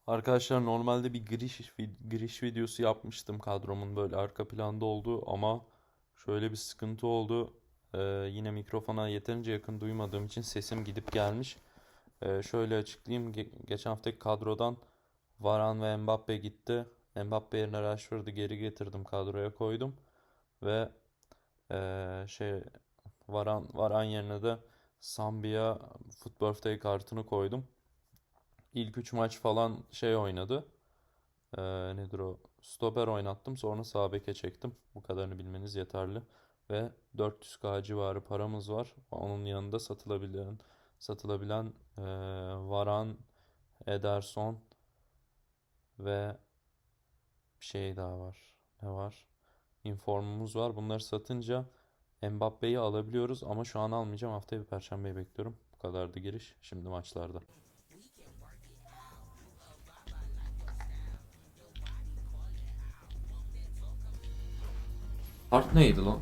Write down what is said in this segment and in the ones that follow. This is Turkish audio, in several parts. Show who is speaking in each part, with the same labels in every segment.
Speaker 1: Arkadaşlar normalde bir giriş videosu yapmıştım kadromun böyle arka planda olduğu ama şöyle bir sıkıntı oldu. Yine mikrofona yeterince yakın duymadığım için sesim gidip gelmiş. Şöyle açıklayayım. Geçen haftaki kadrodan Varane ve Mbappe gitti. Mbappe yerine Rashford'u geri getirdim, kadroya koydum ve şey Varane yerine de Sambia Foot Birthday kartını koydum. İlk 3 maç falan oynadı. Nedir o? Stoper oynattım. Sonra sağ beke çektim. Bu kadarını bilmeniz yeterli. Ve 400k civarı paramız var. Onun yanında satılabilen Varan, Ederson ve bir şey daha var. Ne var? Informumuz var. Bunları satınca Mbappe'yi alabiliyoruz ama şu an almayacağım. Haftaya bir Perşembeyi bekliyorum. Bu kadardı giriş. Şimdi maçlarda. Kart neydi lan?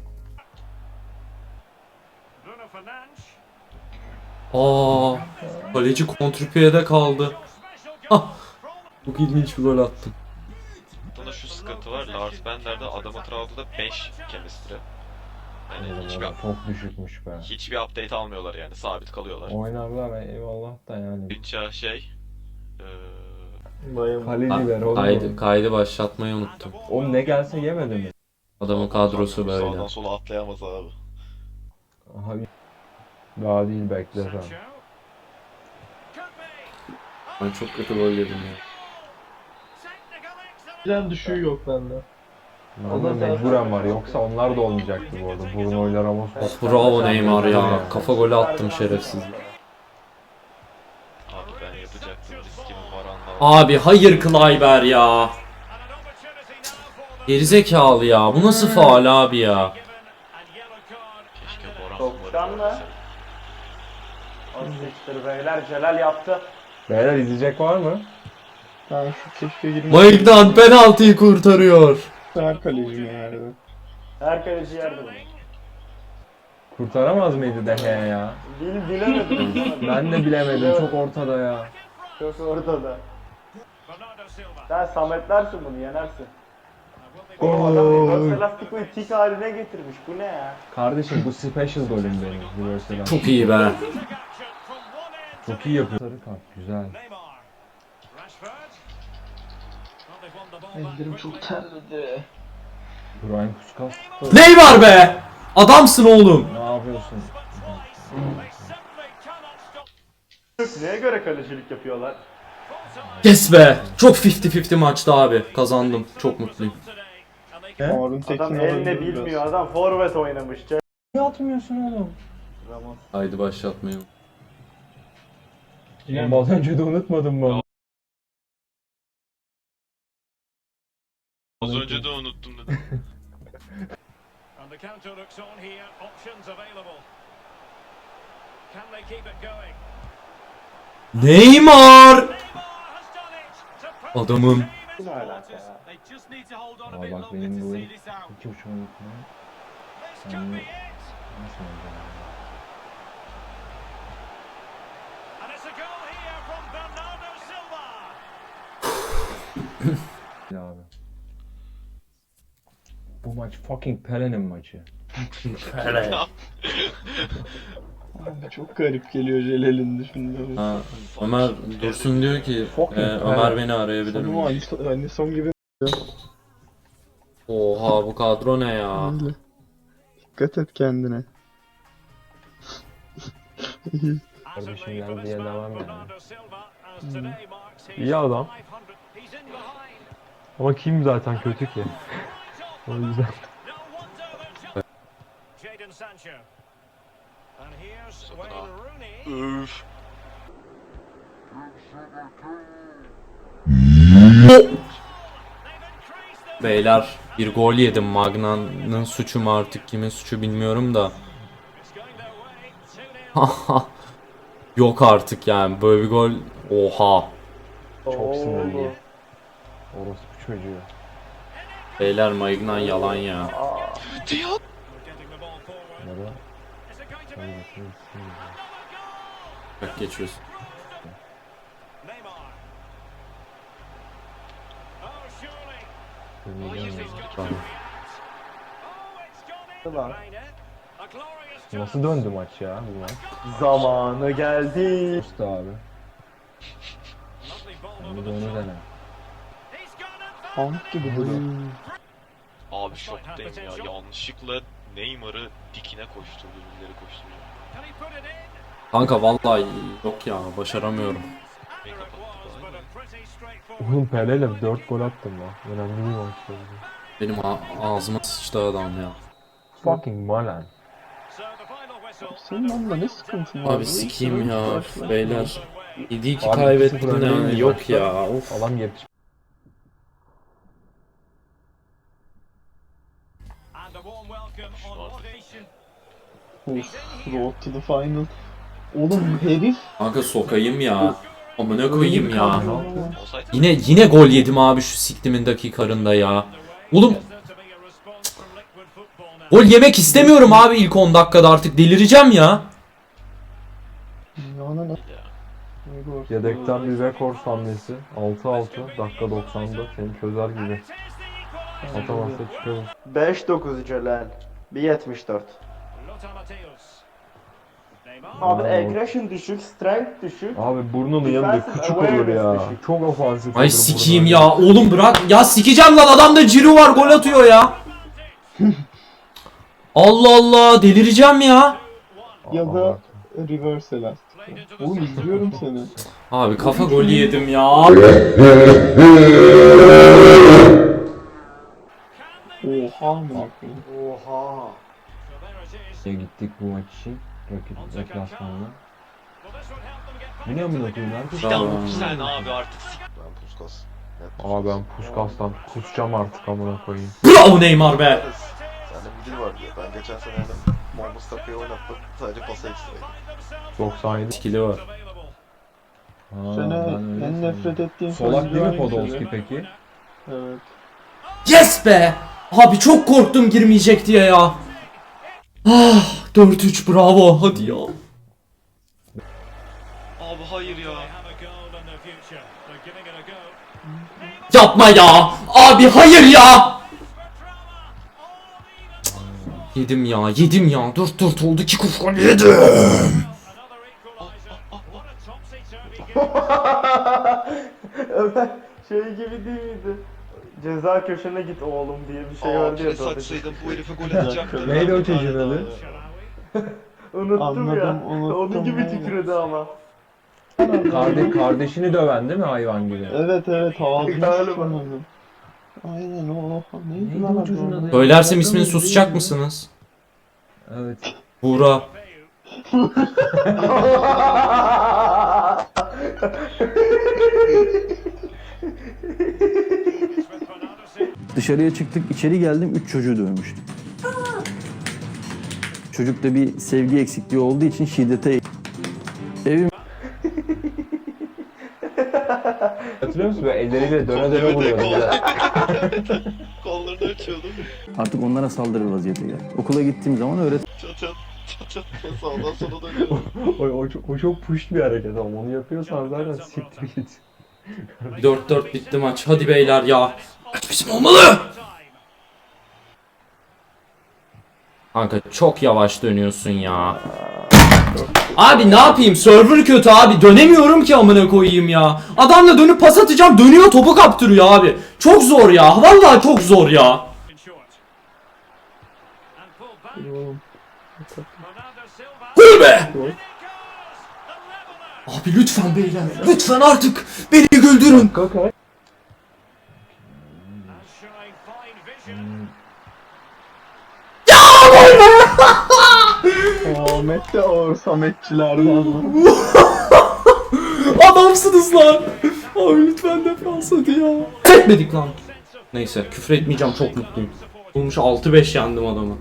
Speaker 1: Aa, kaleci kontrpiyede kaldı. Ah, çok ilginç bir gol attım.
Speaker 2: Bunda şu sıkıntı var. Lars Bender'de adamı Traor'da 5 chemistry. Yani
Speaker 3: Çok düşükmüş be.
Speaker 2: hiçbir update almıyorlar yani. Sabit kalıyorlar.
Speaker 3: Oynarlar eyvallah da yani.
Speaker 2: Bütçe
Speaker 3: Kaleci ver oğlum.
Speaker 1: Kaydı başlatmayı unuttum.
Speaker 3: O ne gelse yemedi mi?
Speaker 1: Adamın kadrosu böyle.
Speaker 2: Sağdan sola atlayamaz abi.
Speaker 3: Aha, daha değil bekle sen.
Speaker 1: Ben çok kötü gol yedim ya.
Speaker 4: Birden düşüğü yok bende.
Speaker 3: Bende mecburen var, yoksa onlar da olmayacaktı bu arada. Bruno'yla Ramos.
Speaker 1: Bravo Neymar ya. Kafa golü attım şerefsiz.
Speaker 2: Abi ben yapacaktım. Riskimi Varan'la.
Speaker 1: Abi hayır Klayber ya. Gerizekalı ya. Bu nasıl faul abi ya?
Speaker 2: Keşke Varan
Speaker 5: 90 mı?
Speaker 2: kullanırdı.
Speaker 5: Asisttir beyler, Celal yaptı.
Speaker 3: Beyler izleyecek var mı?
Speaker 4: Ben şu keşke 20
Speaker 1: Maignan penaltıyı kurtarıyor.
Speaker 4: her kalecim yani.
Speaker 5: Her kaleci yerdi bunu.
Speaker 3: Kurtaramaz mıydı Dehe ya?
Speaker 5: Bilemedim.
Speaker 3: Ben de bilemedim, çok ortada ya.
Speaker 5: Çok ortada. Sen Sametlersin bunu, yenersin. Oğlum adam reverse elastikliği tik haline getirmiş. Bu ne ya?
Speaker 3: Kardeşim bu special golüm benim. Reverse
Speaker 1: Çok iyi be.
Speaker 3: Çok iyi yapıyor. Sarı kart güzel.
Speaker 4: Ellerim çok terledi.
Speaker 3: Brian Puskas.
Speaker 1: Neymar be. Adamsın oğlum.
Speaker 3: Ne yapıyorsun?
Speaker 5: Neye göre kalecilik yapıyorlar?
Speaker 1: Yes be. Çok 50-50 maçtı abi. Kazandım. Çok mutluyum.
Speaker 4: Harun Tekin
Speaker 5: Adam
Speaker 4: olabilir
Speaker 5: eline
Speaker 4: biraz.
Speaker 5: bilmiyor, adam forvet oynamış.
Speaker 3: Niye atmıyorsun oğlum?
Speaker 5: Ramos.
Speaker 1: Haydi başlatmayalım.
Speaker 3: Az önce de unutmadım mı?
Speaker 2: Az önce de unuttum dedim.
Speaker 6: And the counter looks on here. Options available. Can they keep it going?
Speaker 1: Neymar.
Speaker 6: Neymar has done it. To put
Speaker 1: Adamım.
Speaker 6: the
Speaker 5: Ne
Speaker 6: game into
Speaker 5: alaka ya?
Speaker 6: They just need to hold on a
Speaker 3: Aa
Speaker 6: bit
Speaker 3: bak
Speaker 6: longer
Speaker 3: benim
Speaker 6: to
Speaker 3: bu
Speaker 6: see this out.
Speaker 3: iki hoşuma gitmiyor.
Speaker 6: This could be it.
Speaker 3: Nasıl olacak?
Speaker 6: And it's a goal here from Bernardo Silva.
Speaker 3: Ya abi. Bu maç fucking Pelé'nin maçı.
Speaker 4: Abi çok garip geliyor Celal'in düşündüğü.
Speaker 1: Ha, Ömer Dursun diyor ki Ömer beni arayabilir
Speaker 4: Sonu
Speaker 1: mi?
Speaker 4: aynı son gibi.
Speaker 1: Oha bu kadro ne ya?
Speaker 4: Öyle. Dikkat et kendine.
Speaker 3: Kardeşim geldi diye devam yani.
Speaker 6: Bernardo Silva as today marks his
Speaker 3: İyi adam.
Speaker 6: 500th. He's in behind.
Speaker 3: Ama kim zaten kötü ki? O yüzden.
Speaker 6: No wonder they're Jadon Sancho. And here's Wayne Rooney.
Speaker 2: Üf.
Speaker 6: They've increased the
Speaker 1: Beyler bir gol yedim. Magnan'ın suçu mu artık kimin suçu bilmiyorum da.
Speaker 6: It's going their way. 2-0.
Speaker 1: Yok artık yani böyle bir gol. Oha.
Speaker 3: Çok sinirli. Orospu çocuğu.
Speaker 1: Beyler Maignan yalan ya.
Speaker 2: Diyor.
Speaker 6: Getting the ball forward.
Speaker 3: Nere?
Speaker 6: Is it going to be another goal?
Speaker 1: Bak geçiyorsun.
Speaker 6: Neymar.
Speaker 1: Tamam.
Speaker 5: Lan.
Speaker 3: Nasıl döndü maç ya bu maç?
Speaker 5: Zamanı geldi.
Speaker 3: Usta abi. Bir de onu dene.
Speaker 4: Pamuk gibi duruyor.
Speaker 2: Abi şoktayım ya. Yanlışlıkla Neymar'ı dikine koşturdu. Birileri koşturuyor.
Speaker 1: Kanka vallahi yok ya, başaramıyorum.
Speaker 2: Beni kapattık abi.
Speaker 3: Oğlum Pele'yle 4 gol attım lan. Önemli bir maç oldu.
Speaker 1: Benim ağzıma sıçtı adam ya.
Speaker 3: Fucking Malan.
Speaker 4: Senin onunla ne sıkıntın var?
Speaker 1: Abi sikeyim ya beyler. 7-2
Speaker 3: Abi
Speaker 1: kaybettin
Speaker 3: 2-0 öndeyiz
Speaker 1: yani, yok
Speaker 3: maçta.
Speaker 1: ya. Of.
Speaker 3: Adam yetiş.
Speaker 4: Of, road to the final. Oğlum herif.
Speaker 1: Kanka sokayım ya. Amına koyayım ya.
Speaker 2: Olsaydı
Speaker 1: Yine gol yedim abi şu siktimin dakikalarında ya. Oğlum gol yemek istemiyorum abi ilk 10 dakikada, artık delireceğim ya.
Speaker 4: Yanan
Speaker 2: ya.
Speaker 3: Yedekten bir rekor hamlesi. 6-6 dakika 90'da seni çözer gibi. Atamazsa çıkarız.
Speaker 5: 5-9 Celal. 1.74. Abi aggression düşük, strength düşük.
Speaker 3: Abi burnunun yanında
Speaker 5: Defensive
Speaker 3: küçük olur
Speaker 5: awareness
Speaker 3: ya.
Speaker 5: düşük.
Speaker 3: Çok ofansif
Speaker 1: Ay
Speaker 3: olur
Speaker 1: sikeyim
Speaker 3: burnunun
Speaker 1: ya. Oğlum bırak. Ya sikeceğim lan, adamda Ciro var, gol atıyor ya. Allah Allah, delireceğim ya.
Speaker 4: Ya da reverse elastik. Oğlum izliyorum seni.
Speaker 1: Abi kafa golü yedim ya.
Speaker 4: Oha mı yapayım?
Speaker 5: Oha.
Speaker 3: Gittik bu maç için. Rakip deplasmanına. Biliyor musun okuyun herkes?
Speaker 2: Ya
Speaker 1: Tamam.
Speaker 2: sen abi artık
Speaker 7: Ben Puskas.
Speaker 3: Abi ben Puskas'tan kusacağım artık amına koyayım.
Speaker 1: Bravo Neymar be.
Speaker 7: Sende bir dil var diyor. Ben geçen sene Mahmut Takı'yı oynattım. Sadece pasa ekstraydı.
Speaker 3: 97.
Speaker 1: Skill'i var.
Speaker 3: Ha,
Speaker 4: Sene
Speaker 3: ben öyle
Speaker 4: en nefret
Speaker 3: sandım.
Speaker 4: ettiğim
Speaker 3: Solak değil mi
Speaker 4: hangisi?
Speaker 3: Podolski peki?
Speaker 4: Evet.
Speaker 1: Yes be. Abi çok korktum girmeyecek diye ya. Ah, 4-3 bravo. Hadi ya.
Speaker 2: abi hayır ya.
Speaker 1: Yapma ya. Abi hayır ya. Yedim ya, yedim ya. 4-4 oldu, 2 kuş gol yedim.
Speaker 5: Ömer şey gibi değil miydi? Ceza köşene git oğlum diye bir şey vardı ya.
Speaker 2: Abi saçsaydım bu herife gol atacaktı.
Speaker 3: Neydi o çocuğun adı?
Speaker 5: Unuttum
Speaker 4: Anladım,
Speaker 5: ya.
Speaker 4: unuttum,
Speaker 5: Onun gibi
Speaker 4: aynen.
Speaker 5: titredi ama.
Speaker 3: Kardeşini döven değil mi hayvan gibi?
Speaker 4: Evet ağzını
Speaker 5: Galiba.
Speaker 4: sıçramadım. Aynen o. Neydi
Speaker 3: Neydi
Speaker 4: lan
Speaker 3: o çocuğun
Speaker 4: adı?
Speaker 3: adı?
Speaker 1: Söylersem ismini susacak mısınız?
Speaker 3: Evet.
Speaker 1: Buğra.
Speaker 8: Dışarıya çıktık, içeri geldim, 3 çocuğu dövmüş. Çocukta bir sevgi eksikliği olduğu için şiddete... Evim
Speaker 3: Hatırlıyor musun? Böyle elleriyle döne döne vuruyordu.
Speaker 2: Kollarını açıyordum.
Speaker 8: artık onlara saldırır vaziyete geldi. Okula gittiğim zaman
Speaker 2: Çat çat sağdan sola dönüyorum.
Speaker 3: o çok push bir hareket ama onu yapıyorsan zaten siktir git.
Speaker 1: 4-4 bitti maç. Hadi beyler ya. Maç bizim olmalı. Kanka çok yavaş dönüyorsun ya. Abi ne yapayım? Server kötü abi. Dönemiyorum ki amına koyayım ya. Adamla dönüp pas atacağım. Dönüyor, topu kaptırıyor abi. Çok zor ya. Vallahi çok zor ya. Gol be. Abi lütfen beyler. Lütfen artık beni güldürün.
Speaker 4: Ahmet de ağır Sametçilerden.
Speaker 1: Adamsınız lan. Abi lütfen defans hadi ya. Etmedik lan. Neyse küfür etmeyeceğim, çok mutluyum. Bulmuş 6-5 yendim adamı.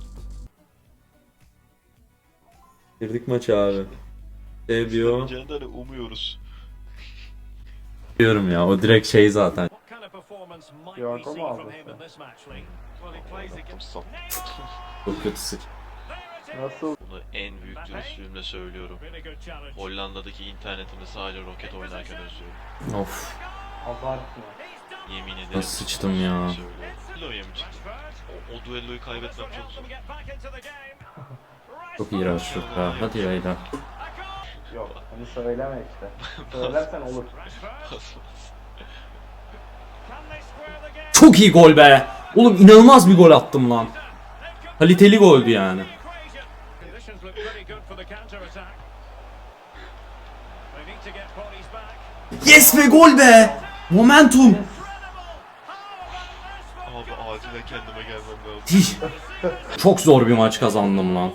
Speaker 1: Girdik maça abi. Seviyor.
Speaker 2: Cennet umuyoruz.
Speaker 1: Diyorum ya, o direkt şey zaten.
Speaker 5: Yorgo mu aldın?
Speaker 1: Çok kötüsü.
Speaker 5: Nasıl?
Speaker 2: Bunu en büyük dürüstlüğümle söylüyorum. Hollanda'daki internetimi sadece roket oynarken özlüyorum.
Speaker 1: Of.
Speaker 5: Abartma.
Speaker 2: Yemin ederim.
Speaker 1: Nasıl sıçtım ya?
Speaker 2: Söyle. Düelloya mı çıktın? O düelloyu kaybetmem çok zor.
Speaker 1: Çok iğrenç ya. Hadi Leyla.
Speaker 5: Yok onu söyleme işte. Söylersen olur.
Speaker 1: Çok iyi gol be. Oğlum inanılmaz bir gol attım lan. Kaliteli goldü yani. Yes be gol be. Momentum.
Speaker 2: Abi acilen kendime gelmem lazım.
Speaker 1: Çok zor bir maç kazandım lan.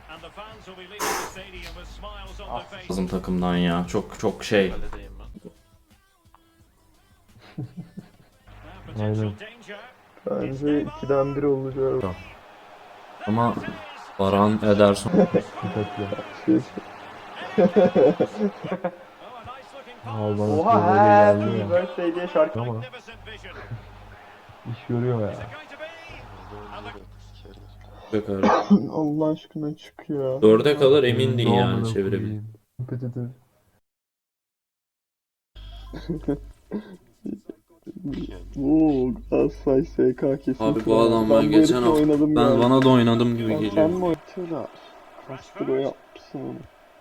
Speaker 1: Bizim takımdan ya. Çok şey.
Speaker 2: Kaledeyim ben.
Speaker 3: Aynen.
Speaker 4: Bence 2'den 1 olacak.
Speaker 1: Ama Baran Ederson.
Speaker 3: Dikkatli. Al bana
Speaker 5: Oha
Speaker 3: böyle
Speaker 5: happy
Speaker 3: geldi ya.
Speaker 5: birthday diye şarkı.
Speaker 3: Ama iş görüyor ya.
Speaker 4: Allah aşkına çık ya.
Speaker 1: 4'e kadar emindin
Speaker 3: Ne
Speaker 1: yani
Speaker 3: amına
Speaker 1: çevirebil.
Speaker 3: koyayım. Kompetitif.
Speaker 4: Oo, Galatasaray SK kesin.
Speaker 1: Abi bu adam ben
Speaker 4: bu
Speaker 1: geçen
Speaker 4: herifle
Speaker 1: hafta
Speaker 4: oynadım
Speaker 1: ben
Speaker 4: ya.
Speaker 1: bana da oynadım gibi
Speaker 4: Sen
Speaker 1: geliyor.
Speaker 4: mi oynatıyorlar? Castro yapmışsın onu.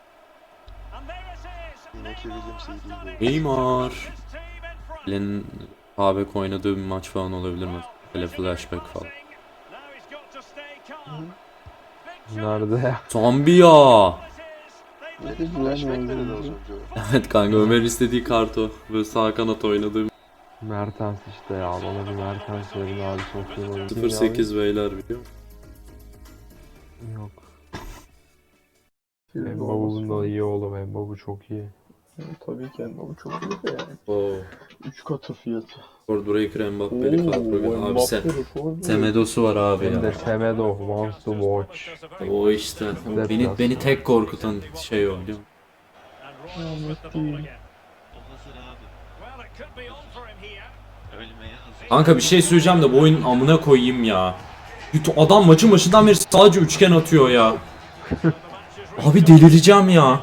Speaker 7: Yine Williams iyi değil.
Speaker 1: Neymar. Len'in Habek oynadığı bir maç falan olabilir mi? Böyle flashback falan.
Speaker 3: Nerede ya?
Speaker 1: Zambia.
Speaker 4: Ne dedi lan
Speaker 7: Flashback nerede az
Speaker 4: o?
Speaker 7: önce?
Speaker 1: Evet kanka Ömer istediği kartı. Böyle sağ kanat oynadığım.
Speaker 3: Mertens işte ya. Bana bir Mertens verin abi çok iyi oyun.
Speaker 1: 0-8 beyler biliyor musun?
Speaker 3: Yok. Mbabu'nun da iyi oğlum. Mbabu çok iyi.
Speaker 4: Tabii ki ama bu çok iyi de yani.
Speaker 1: Oo.
Speaker 4: 3 katı fiyatı.
Speaker 1: Breaker Mbappe'li kadro. Abi Semedo'su var abi
Speaker 3: Hem de
Speaker 1: ya.
Speaker 3: Semedo wants to watch.
Speaker 1: O işte. Beni tek korkutan şey o biliyor musun?
Speaker 4: Ahmet değil.
Speaker 2: O hazır abi. Ölmeye hazır.
Speaker 1: Kanka bir şey söyleyeceğim de bu oyunun amına koyayım ya. Adam maçın başından beri sadece üçgen atıyor ya. Abi delireceğim ya.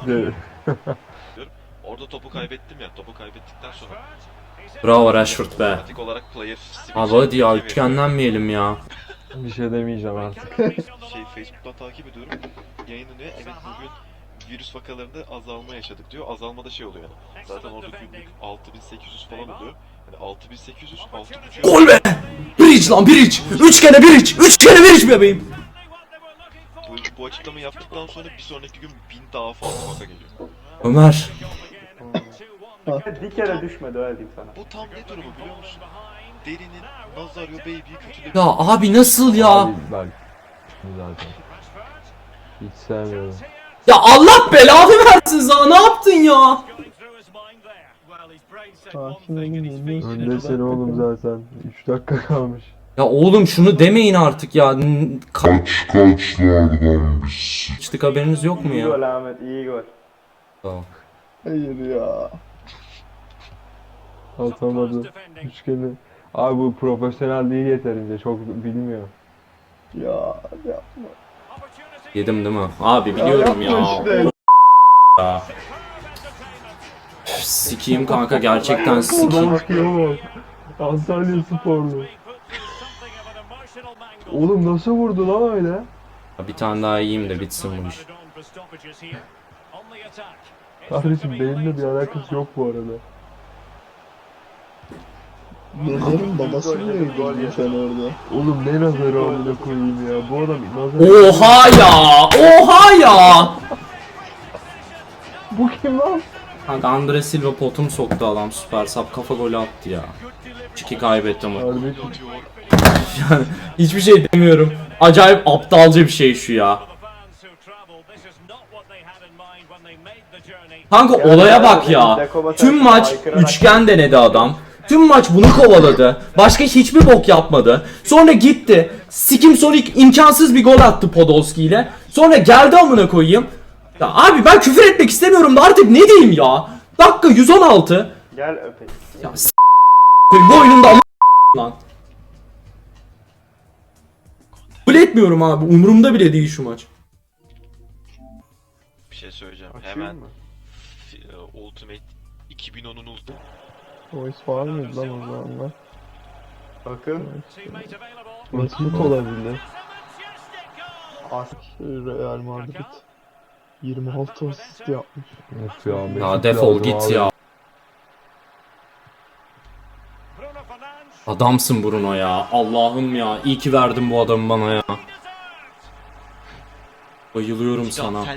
Speaker 2: Orada topu kaybettim ya. Topu kaybettikten sonra
Speaker 1: Bravo Rashford be.
Speaker 2: otomatik olarak player switch
Speaker 1: Abi hadi ya
Speaker 2: yapıyor.
Speaker 1: üçgenlenmeyelim ya.
Speaker 3: Bir şey demeyeceğim artık.
Speaker 2: Facebook'tan takip ediyorum. Yayınlanıyor. Evet bugün virüs vakalarında azalma yaşadık diyor. Azalmada şey oluyor yani. Zaten orada günlük 6800 falan oluyor. Yani 6800, 6.500.
Speaker 1: Gol be! Bridge lan bridge! Üçgene bridge! Üçgene bridge bebeğim!
Speaker 2: Bu açıklamayı yaptıktan sonra bir sonraki gün 1000 daha fazla vaka geliyor.
Speaker 1: Ömer.
Speaker 5: Bir kere düşmedi öyle diyeyim sana.
Speaker 2: Bu tam ne durumu biliyor musun? Derinin Nazario Baby'yi kötülemiş.
Speaker 1: Ya abi nasıl ya?
Speaker 3: Abi bak. Zaten. Hiç sevmiyorum.
Speaker 1: Ya Allah belanı versin sana ne yaptın ya?
Speaker 4: Sakin olun yeniyorsun.
Speaker 3: Öndesin oğlum zaten. 3 dakika kalmış.
Speaker 1: Ya oğlum şunu demeyin artık ya. Kaçtık haberiniz yok mu
Speaker 5: İyi
Speaker 1: ya?
Speaker 5: gol Ahmet iyi gol.
Speaker 1: Tamam.
Speaker 4: Hayır ya.
Speaker 3: Atamadı. Üçgeni. Abi bu profesyonel değil yeterince. Çok bilmiyor.
Speaker 4: Ya yapma.
Speaker 1: Yedim değil mi? Abi biliyorum ya.
Speaker 4: Yapma işte.
Speaker 1: Ya. Üf, sikiyim kanka gerçekten sikiyim.
Speaker 3: Bakıyor Antalya Sporlu. Oğlum nasıl vurdu lan öyle?
Speaker 1: Bir tane daha yiyeyim de bitsin bu iş.
Speaker 3: Kardeşim benimle bir alakası yok bu arada.
Speaker 4: Nezer'in babası mı öldürdün sen orada?
Speaker 3: Oğlum ne nazarı amına koyayım ya. Bu adam nazarı.
Speaker 1: Oha ya! Oha ya!
Speaker 3: Bu kim lan?
Speaker 1: Kanka Andre Silva potum soktu adam süper sap kafa golü attı ya. 2 kaybettim.
Speaker 3: Kardeşim.
Speaker 1: Yani hiçbir şey demiyorum. Acayip aptalca bir şey şu ya. Kanka olaya bak ya. Tüm maç üçgen denedi adam. Tüm maç bunu kovaladı. Başka hiçbir bok yapmadı. Sonra gitti. Sikim Sonic imkansız bir gol attı Podolski ile. Sonra geldi amına koyayım. Ya abi ben küfür etmek istemiyorum da artık ne diyeyim ya. Dakika 116.
Speaker 5: Gel öpeyim.
Speaker 1: Ya bu oyunun da ama lan. Kabul etmiyorum abi. Umurumda bile değil şu maç.
Speaker 2: Bir şey söyleyeceğim. Hemen Ultimate 2010'un Ultimate.
Speaker 4: O iş var mıydı lan o zamanlar?
Speaker 5: Bakın.
Speaker 6: Teammate available.
Speaker 4: Mesut olabilir.
Speaker 5: As
Speaker 4: Real Madrid 26 asist yapmış.
Speaker 3: Of ya.
Speaker 1: Ya
Speaker 3: Mesut
Speaker 1: defol
Speaker 3: lazım
Speaker 1: git
Speaker 3: abi.
Speaker 1: ya.
Speaker 6: Bruno Fernandes.
Speaker 1: Adamsın Bruno ya. Allah'ım ya. İyi ki verdin bu adamı bana ya. Bayılıyorum sana.
Speaker 6: And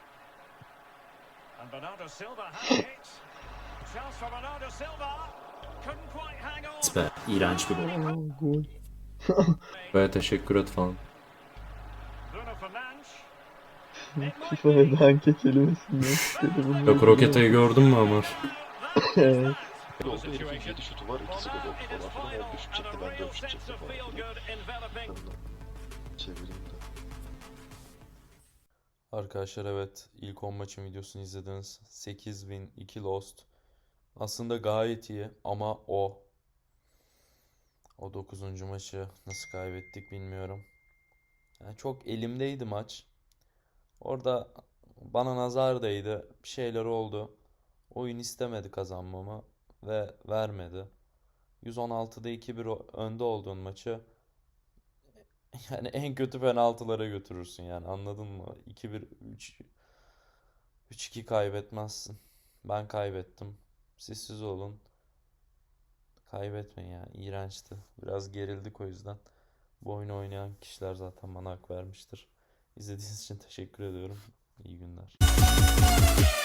Speaker 6: Bernardo Silva has it. Chance for Bernardo Silva. Couldn't quite hang on.
Speaker 1: Be, iğrenç bir gol.
Speaker 4: Gol.
Speaker 1: Böyle teşekkür et falan.
Speaker 6: Bruno Fernandes.
Speaker 4: FIFA ve danke kelimesini istedi bunu.
Speaker 1: Yok Roketa'yı gördün mü Ömer?
Speaker 4: Evet.
Speaker 2: Oldu herifin 7 şutu var, 2'si gol oldu falan filan. 15 şut çekti, ben 4 şut çektim falan filan. Çevireyim de.
Speaker 1: Arkadaşlar evet ilk 10 maçın videosunu izlediniz. 8 win 2 lost. Aslında gayet iyi ama o 9. maçı nasıl kaybettik bilmiyorum. Yani çok elimdeydi maç. Orada bana nazar değdi. Bir şeyler oldu. Oyun istemedi kazanmamı ve vermedi. 116'da 2-1 önde olduğun maçı yani en kötü penaltılara götürürsün yani anladın mı? 2-1 3-2 kaybetmezsin. Ben kaybettim. Siz olun. Kaybetmeyin yani. İğrençti. Biraz gerildik o yüzden. Bu oyunu oynayan kişiler zaten bana hak vermiştir. İzlediğiniz için teşekkür ediyorum. İyi günler.